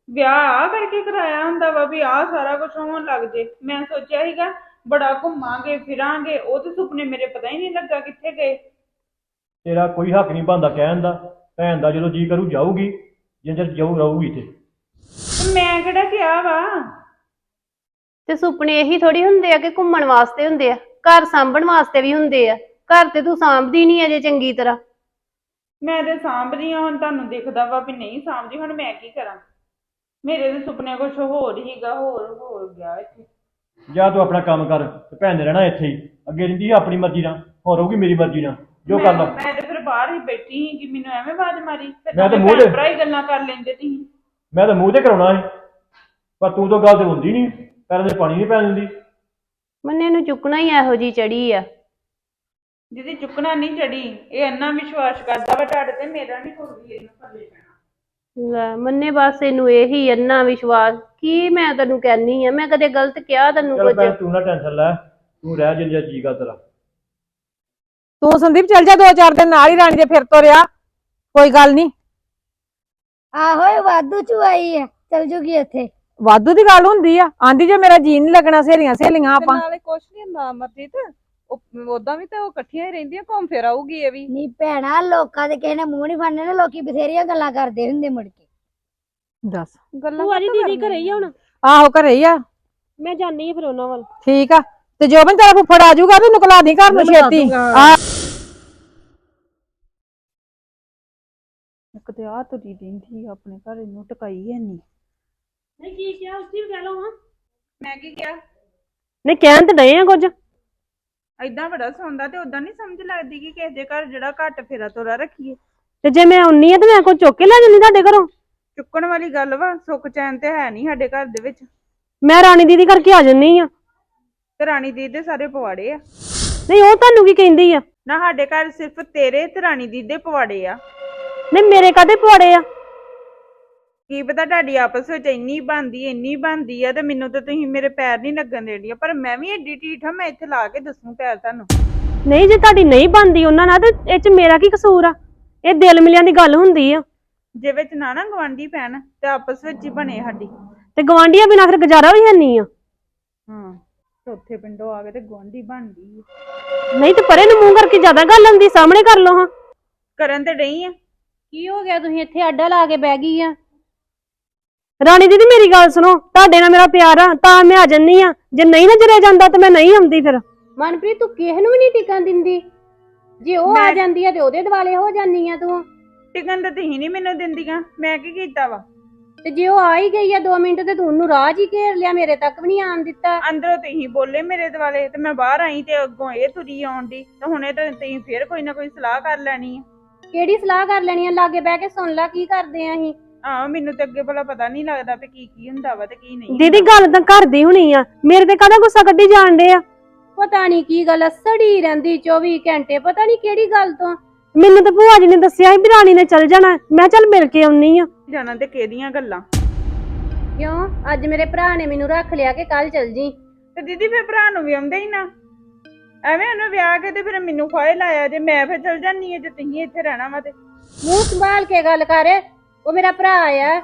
S1: ਵਿਆਹ ਆ ਕਰਕੇ ਕਰਾਇਆ ਹੁੰਦਾ ਵਾ ਵੀ ਆਹ ਸਾਰਾ ਕੁਝ ਹੋਣ ਲੱਗ ਜੇ। ਮੈਂ ਸੋਚਿਆ ਸੀਗਾ ਬੜਾ ਘੁੰਮਾਂਗੇ ਫਿਰਾਂਗੇ, ਉਹ ਤੇ ਸੁਪਨੇ ਮੇਰੇ ਪਤਾ ਹੀ ਨਹੀਂ ਲੱਗਾ ਕਿੱਥੇ ਗਏ।
S6: ਤੇਰਾ ਕੋਈ ਹੱਕ ਨਹੀਂ ਬਣਦਾ ਕਹਿਣ ਦਾ। ਭੈਣ ਦਾ ਜਦੋਂ ਜੀ ਕਰੂ ਜਾਊਗੀ, ਜਿੰਨਾ ਚਿਰ ਜਾਊ ਰਹੂਗੀ ਇੱਥੇ।
S1: ਤੇ ਮੈਂ ਕਿਹੜਾ ਕਿਹਾ ਵਾ?
S5: ਤੇ ਸੁਪਨੇ ਇਹੀ ਥੋੜੀ ਹੁੰਦੇ ਆ ਕਿ ਘੁੰਮਣ ਵਾਸਤੇ ਹੁੰਦੇ ਆ, ਘਰ ਸਾਂਭਣ ਵਾਸਤੇ ਵੀ ਹੁੰਦੇ ਆ। ਘਰ ਤੇ ਤੂੰ ਸਾਂਭਦੀ ਨਹੀਂ ਅਜੇ ਚੰਗੀ ਤਰ੍ਹਾਂ।
S1: ਮੈਂ ਤੇ ਸਾਂਭਦੀ ਆ, ਹੁਣ ਤੁਹਾਨੂੰ ਦਿਖਦਾ ਵਾ ਵੀ ਨਹੀਂ ਸਾਂਭਦੀ, ਹੁਣ ਮੈਂ ਕੀ ਕਰਾਂ? ਮੇਰੇ ਦੇ ਸੁਪਨੇ ਕੁਛ ਹੋਰ ਹੀਗਾ, ਹੋਰ ਹੋ ਗਿਆ ਇੱਥੇ।
S6: ਜਾਂ ਤੂੰ ਆਪਣਾ ਕੰਮ ਕਰ ਤੇ ਭੈਣ ਨੇ ਰਹਿਣਾ ਇੱਥੇ ਹੀ। ਅੱਗੇ ਰਹਿੰਦੀ ਸੀ ਆਪਣੀ ਮਰਜ਼ੀ ਨਾਲ, ਹੁਣ ਰਹੂਗੀ ਮੇਰੀ ਮਰਜ਼ੀ ਨਾਲ, ਜੋ ਕਰ ਲਾ।
S1: ਮੈਂ ਤੇ ਫਿਰ ਬਾਹਰ ਹੀ ਬੈਠੀ ਸੀ ਕਿ ਮੈਨੂੰ ਐਵੇਂ ਆਵਾਜ਼ ਮਾਰੀ। ਫਿਰ
S6: ਮੈਂ ਤਾਂ
S1: ਦੋਵੇਂ
S6: ਮੂੰਹ ਤੇ-
S1: ਭੈਣ ਭਰਾ ਹੀ ਗੱਲਾਂ ਕਰ ਲੈਂਦੇ ਤੁਸੀਂ।
S6: ਮੈਂ ਤਾਂ ਮੂੰਹ ਤੇ ਕਰਾਉਣਾ ਸੀ, ਪਰ ਤੂੰ ਤਾਂ ਗੱਲ ਤੇ ਹੁੰਦੀ ਨਹੀਂ, ਪੈਰਾਂ ਦੇ ਪਾਣੀ ਨਹੀਂ ਪੈਣ ਦਿੰਦੀ।
S5: ਮੰਨੇ ਨੂੰ ਚੁੱਕਣਾ ਹੀ ਇਹੋ ਜੀ ਚੜੀ ਆ।
S1: ਜਿਹਦੀ ਚੁੱਕਣਾ ਨਹੀਂ ਚੜੀ, ਇਹ ਇੰਨਾ ਵਿਸ਼ਵਾਸ ਕਰਦਾ ਵਾ ਤੁਹਾਡੇ ਤੇ, ਮੇਰਾ ਨਹੀਂ ਕੋਈ ਵੀ ਇਹਨੂੰ ਪੱਲੇ ਪੈਣਾ।
S5: ਲੈ ਮੰਨੇ ਬਸ ਇਹਨੂੰ ਇਹੀ ਇੰਨਾ ਵਿਸ਼ਵਾਸ। ਕੀ ਮੈਂ ਤੈਨੂੰ ਕਹਿਨੀ ਆ, ਮੈਂ ਕਦੇ ਗਲਤ ਕਿਹਾ ਤੈਨੂੰ
S6: ਚੱਲ
S5: ਕੁਝ?
S6: ਭੈਣ ਤੂੰ ਨਾ ਟੈਨਸ਼ਨ ਲੈ, ਤੂੰ ਰਹਿ ਜਿੰਨਾ ਜੀ ਕਰ ਤੇਰਾ।
S2: ਤੂੰ ਸੰਦੀਪ ਚੱਲ ਜਾ ਦੋ ਚਾਰ ਦਿਨ ਨਾਲ ਹੀ ਰਾਣੀ ਦੇ ਫਿਰ ਤੋਂ ਰਿਆ, ਕੋਈ ਗੱਲ ਨਹੀਂ।
S4: ਆਹੋ ਇਹ ਵਾਧੂ ਚੁਆਈ ਆ, ਚਲ ਜੂਗੀ ਉੱਥੇ।
S2: ਵਾਧੂ ਦੀ ਗੱਲ ਹੁੰਦੀ ਆ, ਆਂਦੀ ਜੇ ਮੇਰਾ ਜੀ ਨਹੀਂ ਲੱਗਣਾ ਸਹੇਲੀਆਂ ਸਹੇਲੀਆਂ ਆਪਾਂ।
S7: ਨਾਲੇ ਕੁਛ ਨਹੀਂ ਹੁੰਦਾ ਅਮਰਜੀਤ, ਉਦਾਂ ਵੀ ਤਾਂ ਉਹ ਇਕੱਠੀਆਂ ਹੀ ਰਹਿੰਦੀਆਂ, ਘੁੰਮ ਫਿਰ ਆਊਗੀ ਇਹ ਵੀ।
S4: ਨਹੀਂ ਭੈਣਾ, ਲੋਕਾਂ ਦੇ ਕਿਸੇ ਨੇ ਮੂੰਹ ਨਹੀਂ ਫੜਨੇ ਨਾ, ਲੋਕੀ ਬਥੇਰੀਆਂ ਗੱਲਾਂ ਕਰਦੇ ਹੁੰਦੇ ਮੁੜ ਕੇ।
S2: ਦੱਸ
S7: ਗੱਲਾਂ
S5: ਭੂਆ ਜੀ
S7: ਕਾਹਤੋਂ
S5: ਦੀਦੀ
S7: ਕਰਨੀਆਂ?
S5: ਘਰੇ ਹੀ ਆ ਹੁਣ?
S2: ਆਹੋ ਘਰੇ ਹੀ ਆ।
S5: ਮੈਂ ਜਾਣੀ ਆ ਫਿਰ ਉਹਨਾਂ ਵੱਲ।
S2: ਠੀਕ ਆ, ਤੇ ਜੋਬਨ ਤੇਰਾ ਫੁੱਫੜ ਆ ਜਾਊਗਾ, ਤੂੰ ਨਿਕਲਾ ਦੀ ਘਰ ਨੂੰ ਛੇਤੀ। ਆ
S1: ਇੱਕ ਤੇ ਆ ਤੁਰੀ ਰਹਿੰਦੀ ਆ ਆਪਣੇ ਘਰ, ਇਹਨੂੰ ਟਕਾਈ ਹੈ ਨਹੀਂ।
S5: ਨਹੀਂ ਕੀ ਕਿਹਾ ਉਸ ਦੀ ਕਹਿ ਲਓ ਹਾਂ।
S1: ਮੈਂ ਕੀ ਕਿਹਾ?
S5: ਨਹੀਂ ਕਹਿਣ ਤੇ ਡਏ ਆ ਕੁਝ।
S1: ਏਦਾਂ ਬੜਾ ਸੌਂਦਾ ਤੇ ਉਦਾਂ ਨਹੀਂ ਸਮਝ ਲੱਗਦੀ ਕਿ ਕਿਸੇ ਦੇ ਘਰ ਜਿਹੜਾ ਘੱਟ ਫੇਰਾ ਤੋਰਾ ਰੱਖੀਏ।
S5: ਤੇ ਜੇ ਮੈਂ ਆਉਣੀ ਆ ਤੇ ਮੈਂ ਕੋਈ ਚੁੱਕ ਕੇ ਲੈ ਜੰਨੀ ਤੁਹਾਡੇ ਘਰੋਂ?
S1: ਚੁੱਕਣ ਵਾਲੀ ਗੱਲ ਵਾ? ਸੁੱਖ ਚੈਨ ਤੇ ਹੈ ਨਹੀਂ ਸਾਡੇ ਘਰ ਦੇ ਵਿੱਚ।
S5: ਮੈਂ ਰਾਣੀ ਦੀਦੀ ਕਰਕੇ ਆ ਜੰਨੀ ਆ।
S1: ਤੇ ਰਾਣੀ ਦੀ ਦੇ ਸਾਰੇ ਪਵਾੜੇ ਆ।
S5: ਨਹੀਂ ਉਹ ਤੁਹਾਨੂੰ ਕੀ ਕਹਿੰਦੀ ਆ?
S1: ਨਾ ਸਾਡੇ ਘਰ ਸਿਰਫ ਤੇਰੇ ਤੇ ਰਾਣੀ ਦੀ ਦੇ ਪਵਾੜੇ ਆ।
S5: ਨਹੀਂ ਮੇਰੇ ਕਾਹਦੇ ਪਵਾੜੇ ਆ?
S1: ਕੀ ਪਤਾ ਤੁਹਾਡੀ ਆਪਸ ਵਿੱਚ ਇੰਨੀ ਬਣਦੀ ਇੰਨੀ ਬਣਦੀ ਆ ਤੇ ਮੈਨੂੰ ਤਾਂ ਤੁਸੀਂ ਮੇਰੇ ਪੈਰ ਨਹੀਂ ਲੱਗਣ ਦੇਣੀਆਂ, ਪਰ ਮੈਂ ਵੀ ਏਡੀ ਢੀਠ ਆ, ਮੈਂ ਇੱਥੇ ਲਾ ਕੇ ਦੱਸੂ ਪੈਰ ਤੁਹਾਨੂੰ।
S5: ਨਹੀਂ ਜੇ ਤੁਹਾਡੀ ਨਹੀਂ ਬਣਦੀ ਉਹਨਾਂ ਨਾਲ ਤੇ ਇਹ ਚ ਮੇਰਾ ਕੀ ਕਸੂਰ ਆ? ਇਹ ਦਿਲ ਮਿਲਿਆਂ ਦੀ ਗੱਲ ਹੁੰਦੀ ਆ।
S1: ਜੇ ਵਿੱਚ ਨਾ ਨਾ ਗਵਾਂਢੀ ਪੈਣ ਤੇ ਆਪਸ ਵਿੱਚ ਹੀ ਬਣੇ ਸਾਡੀ।
S5: ਤੇ ਗਵਾਂਢੀਆਂ ਬਿਨਾਂ ਫਿਰ ਗੁਜ਼ਾਰਾ ਵੀ ਹੈ ਨਹੀਂ ਆ।
S1: ਹਾਂ, ਚੌਥੇ ਪਿੰਡੋਂ ਆ ਕੇ ਤੇ ਗਵਾਂਢੀ ਬਣਦੀ ਆ।
S5: ਨਹੀਂ ਤੇ ਪਰੇ ਨੂੰ ਮੂੰਹ ਕਰਕੇ ਜ਼ਿਆਦਾ ਗੱਲ ਆਉਂਦੀ, ਸਾਹਮਣੇ ਕਰ ਲਓ ਹਾਂ।
S1: ਕਰਨ ਤੇ ਡਈ ਆ।
S5: ਕੀ ਹੋ ਗਿਆ, ਤੁਸੀਂ ਇੱਥੇ ਅੱਡਾ ਲਾ ਕੇ ਬਹਿ ਗਈ ਆ? ਰਾਣੀ ਦੀਦੀ ਮੇਰੀ ਗੱਲ ਸੁਣੋ, ਤੁਹਾਡੇ ਨਾਲ ਮੇਰਾ ਪਿਆਰ ਆ ਤਾਂ ਮੈਂ ਆ ਜੰਨੀ ਆ, ਜੇ ਨਹੀਂ ਨਾ ਜਰੇ ਜਾਂਦਾ ਤੇ ਮੈਂ ਨਹੀਂ ਆਉਂਦੀ ਫਿਰ। ਮਨਪ੍ਰੀਤ ਤੂੰ ਕਿਸੇ ਨੂੰ ਵੀ ਨਹੀਂ ਟਿਕਣ ਦਿੰਦੀ, ਜੇ ਉਹ ਆ ਜਾਂਦੀ ਆ ਤੇ ਉਹਦੇ ਦਿਵਾਲੇ ਹੋ ਜਾਂਦੀ ਆ ਤੂੰ।
S1: ਟਿਕਣ ਤਾਂ ਤੁਸੀਂ ਨਹੀਂ ਮੈਨੂੰ ਦਿੰਦੀਆਂ, ਮੈਂ ਕੀ ਕੀਤਾ ਵਾ?
S5: ਤੇ ਜੇ ਉਹ ਆ ਹੀ ਗਈ ਆ ਦੋ ਮਿੰਟ ਤੇ ਤੂੰ ਉਹਨੂੰ ਰਾਹ 'ਚ ਹੀ ਘੇਰ ਲਿਆ, ਮੇਰੇ ਤੱਕ ਵੀ ਨਹੀਂ ਆਣ ਦਿੱਤਾ।
S1: ਅੰਦਰੋਂ ਤੁਸੀਂ ਬੋਲੇ ਮੇਰੇ ਦੁਆਲੇ ਤੇ ਮੈਂ ਬਾਹਰ ਆਈ ਤੇ ਅੱਗੋਂ ਇਹ ਤੁਰੀ ਆਉਣ ਦੀ, ਤੇ ਹੁਣੇ ਤਾਂ ਤੁਸੀਂ ਫੇਰ ਕੋਈ ਨਾ ਕੋਈ ਸਲਾਹ ਕਰ ਲੈਣੀ ਆ।
S5: ਕਿਹੜੀ ਸਲਾਹ ਕਰ ਲੈਣੀ ਆ? ਲਾਗੇ ਬਹਿ ਕੇ ਸੁਣ ਲੈ ਕੀ ਕਰਦੇ ਆ ਅਸੀਂ।
S1: ਆਹ ਮੈਨੂੰ ਤੇ ਅੱਗੇ ਭਲਾ ਪਤਾ ਨਹੀਂ ਲੱਗਦਾ ਵੀ ਕੀ ਕੀ ਹੁੰਦਾ ਵਾ ਤੇ ਕੀ ਨਹੀਂ।
S5: ਦੀਦੀ ਗੱਲ ਤਾਂ ਘਰ ਦੀ ਹੋਣੀ ਆ, ਮੇਰੇ ਤੇ ਕਾਹਦਾ ਗੁੱਸਾ ਕੱਢੀ ਜਾਣ ਡੇ ਆ? ਪਤਾ ਨਹੀਂ ਕੀ ਗੱਲ ਸੜੀ ਰਹਿੰਦੀ ਚੌਵੀ ਘੰਟੇ, ਪਤਾ ਨਹੀਂ ਕਿਹੜੀ ਗੱਲ ਤੋਂ। ਮੈਨੂੰ ਤਾਂ ਭੂਆ ਜੀ ਨੇ ਦੱਸਿਆ ਸੀ ਵੀ ਰਾਣੀ ਨੇ ਚੱਲ ਜਾਣਾ, ਮੈਂ ਚੱਲ ਮਿਲ ਕੇ ਆਉਣੀ ਆ।
S1: ਜਾਣਾ ਤੇ ਕਿਹਦੀਆਂ ਗੱਲਾਂ?
S5: ਕਿਉਂ ਅੱਜ ਮੇਰੇ ਭਰਾ ਨੇ ਮੈਨੂੰ ਰੱਖ ਲਿਆ ਕਿ ਕੱਲ ਚੱਲ ਜੀ?
S1: ਤੇ ਦੀਦੀ ਫਿਰ ਭਰਾ ਨੂੰ ਵੀ ਆਉਂਦੇ ਹੀ ਨਾ, ਐਵੇਂ ਉਹਨੂੰ ਵਿਆਹ ਕੇ ਤੇ ਫਿਰ ਮੈਨੂੰ ਫਾਇਲ ਲਾਇਆ ਜੇ ਮੈਂ ਫਿਰ ਚਲ ਜਾਨੀ ਆ, ਜੇ ਤੁਸੀਂ ਇੱਥੇ ਰਹਿਣਾ ਵਾ ਤੇ।
S5: ਮੂੰਹ ਸੰਭਾਲ ਕੇ ਗੱਲ ਕਰ, ਉਹ ਮੇਰਾ ਭਰਾ ਆ।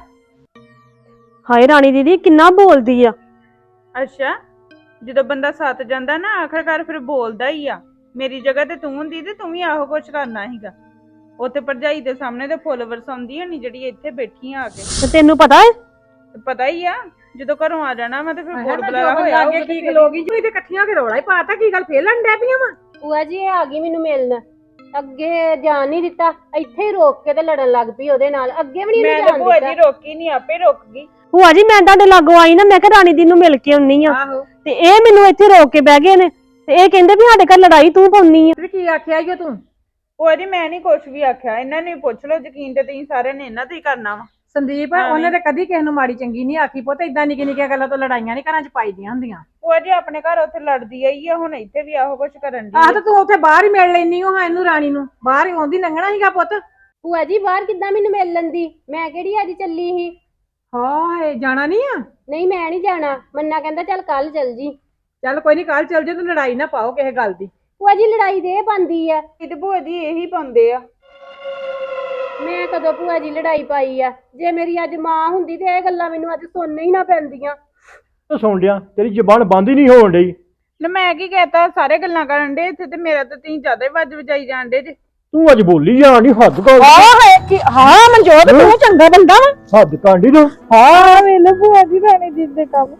S5: ਹਾਏ ਰਾਣੀ ਦੀਦੀ ਕਿੰਨਾ ਬੋਲਦੀ ਆ।
S1: ਅੱਛਾ, ਜਦੋਂ ਬੰਦਾ ਸੱਤ ਜਾਂਦਾ ਨਾ ਆਖਰਕਾਰ ਫਿਰ ਬੋਲਦਾ ਹੀ ਆ। ਮੇਰੀ ਜਗ੍ਹਾ ਤੇ ਤੂੰ ਹੁੰਦੀ ਤੇ ਤੂੰ ਵੀ ਆਹੋ ਕੁਛ ਕਰਨਾ ਸੀਗਾ। ਉੱਥੇ ਭਰਜਾਈ ਦੇ ਸਾਹਮਣੇ ਤੇ ਫੁੱਲ ਵਰਸਾਉਂਦੀ ਹੋਣੀ ਜਿਹੜੀ ਇੱਥੇ ਬੈਠੀ ਆ ਕੇ।
S5: ਤੇ ਤੈਨੂੰ ਪਤਾ ਹੈ?
S1: ਤੇ ਪਤਾ ਹੀ ਆ, ਜਦੋਂ ਘਰੋਂ ਆ ਜਾਣਾ ਵਾ ਤੇ ਫਿਰ ਬੋਲ ਬੁਲਾਰਾ
S2: ਜੋਬਨ
S1: ਹੋਇਆ
S2: ਲਾਗੇ ਕੀ ਖਲੋਗੀ ਜੀ ਤੇ ਇਕੱਠੀਆਂ ਕੇ ਰੌਲਾ ਹੀ ਪਾਤਾ, ਕੀ ਗੱਲ ਫੇਰ ਲੰਨ ਡੈ ਪਈਆਂ ਵਾ?
S5: ਭੂਆ ਜੀ ਇਹ ਆ ਗਈ ਮੈਨੂੰ ਮਿਲਣ, ਅੱਗੇ ਜਾਣ ਨਹੀਂ ਦਿੱਤਾ, ਇੱਥੇ ਹੀ ਰੋਕ ਕੇ ਤੇ ਲੜਨ ਲੱਗ ਪਈ ਉਹਦੇ ਨਾਲ, ਅੱਗੇ ਵੀ ਨਹੀਂ
S1: ਮੈਂ
S5: ਜਾਣ
S1: ਤਾਂ ਭੂਆ
S5: ਦਿੱਤਾ।
S1: ਜੀ ਰੋਕੀ ਨਹੀਂ, ਆਪੇ ਰੁਕ ਗਈ।
S5: ਭੂਆ ਜੀ ਮੈਂ ਤੁਹਾਡੇ ਲਾਗੋਂ ਆਈ ਨਾ, ਮੈਂ ਕਿਹਾ ਰਾਣੀ ਦੀ ਨੂੰ ਮਿਲ ਕੇ ਆਉਣੀ ਆ,
S2: ਆਹੋ
S5: ਤੇ ਇਹ ਮੈਨੂੰ ਇੱਥੇ ਰੋਕ ਕੇ ਬਹਿ ਗਏ ਨੇ, ਤੇ ਇਹ ਕਹਿੰਦੇ ਵੀ ਸਾਡੇ ਘਰ ਲੜਾਈ ਤੂੰ ਪਾਉਣੀ ਆ।
S2: ਤੇ ਕੀ ਆਖਿਆ ਈ ਓ ਤੂੰ?
S1: ਭੂਆ ਜੀ ਮੈਂ ਨਹੀਂ ਕੁਛ ਵੀ ਆਖਿਆ, ਇਹਨਾਂ ਨੂੰ ਹੀ ਪੁੱਛ ਲਓ, ਯਕੀਨ ਤੇ ਤੁਸੀਂ ਸਾਰਿਆਂ ਨੇ ਇਹਨਾਂ ਤੇ ਹੀ ਕਰਨਾ ਵਾ।
S2: ਸੰਦੀਪ ਉਹਨੇ ਤੇ ਕਦੀ ਕਿਸੇ ਨੂੰ ਮਾੜੀ ਚੰਗੀ ਨਹੀਂ ਆਖੀ, ਪੁੱਤ ਇਦਾਂ ਨਿੱਕੀ ਨਿੱਕੀਆਂ ਗੱਲਾਂ ਤੋਂ ਲੜਾਈਆਂ ਨਹੀਂ ਘਰਾਂ 'ਚ ਪਾਈਦੀਆਂ ਹੁੰਦੀਆਂ।
S1: ਭੂਆ ਜੀ ਆਪਣੇ ਘਰ ਉੱਥੇ ਲੜਦੀ ਆਈ ਆ, ਹੁਣ ਇੱਥੇ ਵੀ ਆਹੋ ਕੁਛ ਕਰਨ ਦੀ।
S2: ਆਹ ਤਾਂ ਤੂੰ ਉੱਥੇ ਬਾਹਰ ਹੀ ਮਿਲ ਲੈਣੀ ਹਾਂ ਇਹਨੂੰ ਰਾਣੀ ਨੂੰ, ਬਾਹਰ ਹੀ ਆਉਂਦੀ ਲੰਘਣਾ ਸੀਗਾ ਪੁੱਤ।
S5: ਭੂਆ ਜੀ ਬਾਹਰ ਕਿੱਦਾਂ ਮੈਨੂੰ ਮਿਲ ਲੈਂਦੀ, ਮੈਂ ਕਿਹੜੀ ਅੱਜ ਚੱਲੀ ਸੀ।
S2: ਹਾਏ ਜਾਣਾ ਨਹੀਂ ਆ?
S5: ਨਹੀਂ ਮੈਂ ਨਹੀਂ ਜਾਣਾ, ਮੰਨਾ ਕਹਿੰਦਾ ਚੱਲ ਕੱਲ ਚੱਲ ਜੀ।
S2: ਚੱਲ ਕੋਈ ਨਹੀਂ ਕੱਲ ਚੱਲ ਜੇ, ਤੂੰ ਲੜਾਈ ਨਾ ਪਾਓ ਕਿਸੇ ਗੱਲ ਦੀ।
S5: ਭੂਆ ਜੀ ਲੜਾਈ ਦੇ ਬੰਦੀ ਆ।
S1: ਇਹ ਤੇ ਭੂਆ ਜੀ ਇਹੀ ਪਾਉਂਦੇ ਆ।
S5: ਮੈਂ ਕਦੋਂ ਭੂਆ ਜੀ ਲੜਾਈ ਪਾਈ ਆ? ਜੇ ਮੇਰੀ ਅੱਜ ਮਾਂ ਹੁੰਦੀ ਤੇ ਇਹ ਗੱਲਾਂ ਮੈਨੂੰ ਅੱਜ ਸੁਣਨੇ ਹੀ ਨਾ ਪੈਂਦੀਆਂ।
S6: ਤੂੰ ਸੁਣ ਲਿਆ, ਤੇਰੀ ਜ਼ਬਾਨ ਬੰਦ ਹੀ ਨਹੀਂ ਹੋਣ ਡਈ।
S1: ਲੈ ਮੈਂ ਕੀ ਕਹਤਾ, ਸਾਰੇ ਗੱਲਾਂ ਕਰਨ ਦੇ ਇੱਥੇ ਤੇ ਮੇਰਾ ਤਾਂ ਤੁਸੀਂ ਜ਼ਿਆਦਾ ਹੀ ਵੱਜ ਵਜਾਈ ਜਾਂਦੇ ਜੇ।
S6: ਤੂੰ ਅੱਜ ਬੋਲੀ ਜਾ ਨਹੀਂ, ਹੱਦ ਕਰ
S2: ਹਾਂ ਮਨਜੋਤ ਤੂੰ ਚੰਗਾ ਬੰਦਾ ਵਾ।
S6: ਹੱਦ ਕਾਂਡੀ ਤੂੰ।
S1: ਹਾਂ ਵੇਲੇ ਭੂਆ ਜੀ ਰਾਣੀ ਜੀ ਦੇ ਕੰਮ।